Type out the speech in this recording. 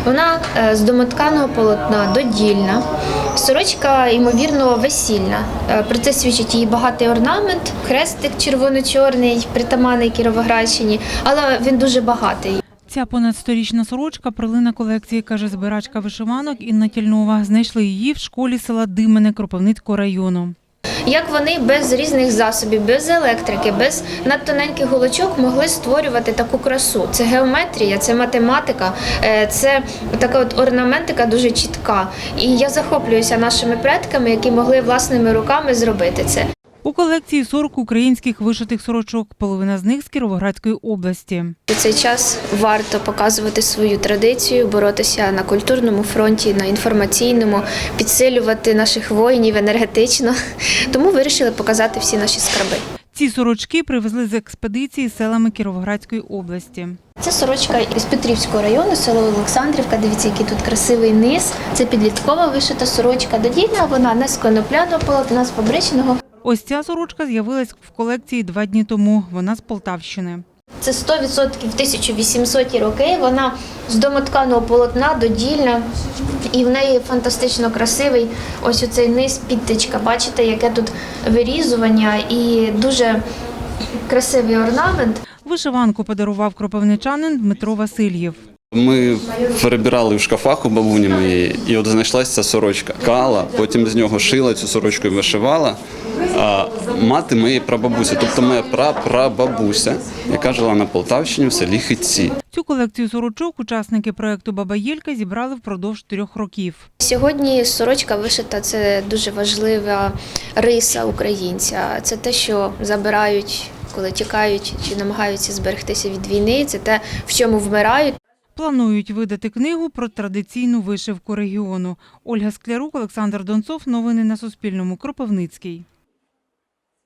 Вона з домотканого полотна, додільна. Сорочка, ймовірно, весільна. Про це свідчить її багатий орнамент, хрестик червоно-чорний, притаманний Кіровоградщині, але він дуже багатий. Ця понад 100-річна сорочка – перлина колекції, каже збирачка вишиванок Інна Тільнова. Знайшли її в школі села Димине Кропивницького району. Як вони без різних засобів, без електрики, без надтоненьких голочок могли створювати таку красу? Це геометрія, це математика, це така от орнаментика дуже чітка. І я захоплююся нашими предками, які могли власними руками зробити це. У колекції 40 українських вишитих сорочок, половина з них з Кіровоградської області. У цей час варто показувати свою традицію, боротися на культурному фронті, на інформаційному, підсилювати наших воїнів енергетично. Тому вирішили показати всі наші скарби. Ці сорочки привезли з експедиції селами Кіровоградської області. Це сорочка із Петрівського району, село Олександрівка. Дивіться, який тут красивий низ. Це підліткова вишита сорочка. Додільна вона не з конопляного полотна, з фабричного. Ось ця сорочка з'явилась в колекції 2 дні тому. Вона з Полтавщини. Це 100% 1800-ті роки. Вона з домотканого полотна, додільна. І в неї фантастично красивий ось оцей низ, підтичка. Бачите, яке тут вирізування і дуже красивий орнамент. Вишиванку подарував кропивничанин Дмитро Васильєв. Ми перебирали в шкафах у бабуні моєї, і от знайшлася ця сорочка. Кала, потім з нього шила цю сорочку і вишивала. А мати моєї прабабусі, тобто моя прапрабабуся, яка жила на Полтавщині в селі Хитці. Цю колекцію сорочок учасники проєкту «Баба Єлька» зібрали впродовж 3 років. Сьогодні сорочка вишита – це дуже важлива риса українця. Це те, що забирають, коли тікають чи намагаються зберегтися від війни. Це те, в чому вмирають. Планують видати книгу про традиційну вишивку регіону. Ольга Склярук, Олександр Донцов. Новини на Суспільному. Кропивницький.